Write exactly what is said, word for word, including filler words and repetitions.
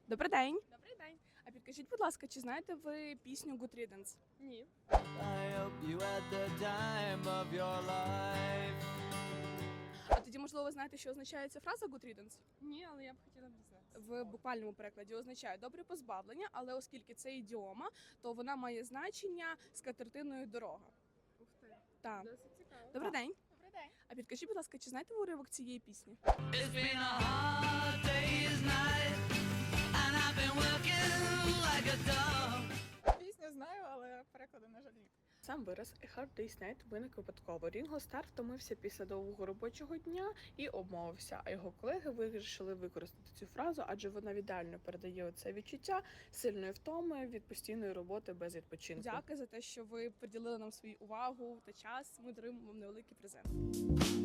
Добрий день. Добрий день. А підкажіть, будь ласка, чи знаєте ви пісню Good Riddance? Ні. I hope you had the time of your life. А тоді, можливо, ви знаєте, що означає ця фраза Good Riddance? Ні, але я б хотіла б дізнатися. В буквальному перекладі означає добре позбавлення, але оскільки це ідіома, то вона має значення скатертиною дорога. Ух ти. Так. Досить цікаво. Добрий день. Добрий день. А підкажіть, будь ласка, чи знаєте ви уривок цієї пісні? It's been a hard day's night, and I've been working like a dog. Пісню знаю, але перекладу, на жаль, ні. Сам вираз «A hard day's night» виник випадково. Рінго Стар втомився після довгого робочого дня і обмовився, а його колеги вирішили використати цю фразу, адже вона ідеально передає оце відчуття сильної втоми від постійної роботи без відпочинку. Дякую за те, що ви приділили нам свою увагу та час. Ми даруємо вам невеликий презент.